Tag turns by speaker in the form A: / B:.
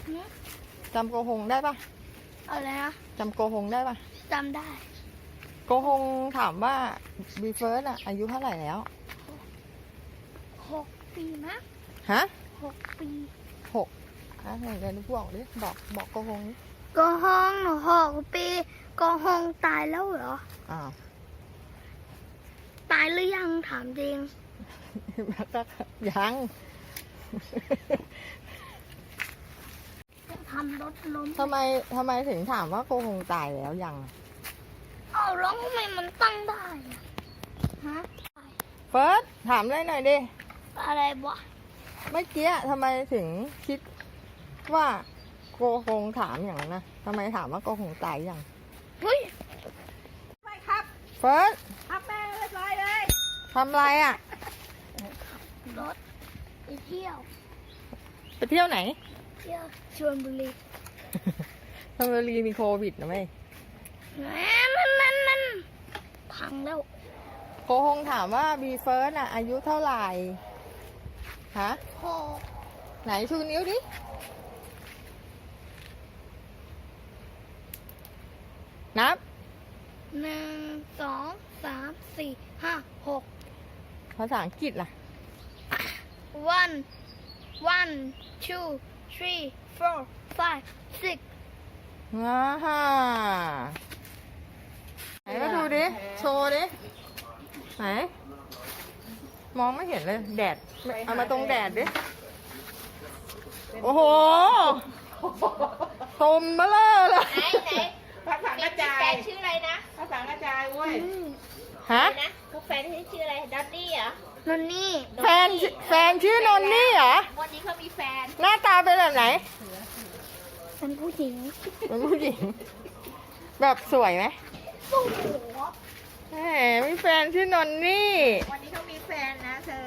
A: จำโกหงได้ปะ
B: อะไรนะ
A: จำโกหงได้ปะ
B: จำได้
A: โกหงถามว่าบีเฟิร์สอะอายุเท่าไหร่แล้ว
B: 6 ปีมั้ง
A: ฮะ
B: 6 ปี
A: 6ไหนเดี๋ยวบอกดิบอกโกหงดิ
B: โกหงหนู6 ปีโกหงตายแล้วเหรอ
A: อ้าว
B: ตายหรือยังถามจริง
A: ก็ยัง
B: ทำรถล้ม
A: ทำไมถึงถามว่าโกหงตายแล้วยัง
B: เอาร้องทำไมมันตั้งได้อะฮะ
A: เฟิร์สถามเลยหน่อยดิ
B: อะไรวะ
A: เมื่อกี้ทำไมถึงคิดว่าโกหงถามอย่างนั้นนะทำไมถามว่าโกหงตายยัง
B: เฮ้ย
C: ไม่ครับ
A: เฟิร์ส
C: ครับแม่เรียบร้อยเลย
A: ทำอะไรอ่ะ
B: รถไปเที่ยว
A: ไปเที่ยวไหน
B: เที่ยวชลบุรี
A: ชลบุรีมีโควิดนะไหม
B: แหมมันพังแล้ว
A: โกหงถามว่าบีเฟิร์สอ่ะอายุเท่าไหร่ฮะ
B: หก
A: ไหนชูนิ้วดินับ
B: 1 2 3 4 5 6
A: ภาษาอังกฤษล่ะ
B: 1 2 3 4 5 6
A: ว้าฮ่าไหนก็ดูดิ โชว์ดิ ไหน มองไม่เห็นเลย แดด เอามาตรงแดดดิ โอ้โหตมเบลอเลย
D: ไหน
C: ภาษากระจา
D: แฟ
C: ย
D: นชื่ออะไรนะ
C: ภาษากระจายเว้ย
A: ฮะ
D: นะพวกแฟนชื่ออะไรดอตตี้เหรอน
B: นนี่
A: แฟนชื่อนนนี่เหรอ
D: วันนี้เขามีแฟน
A: หน้าตาเป็นแบบไหน
B: เป็นผู้หญิง
A: เป็นผู้หญิง แบบสวยไหม
B: โอ้โห
A: แหมมีแฟนชื่อนนนี่
D: วันนี้เขามีแฟนนะเธอ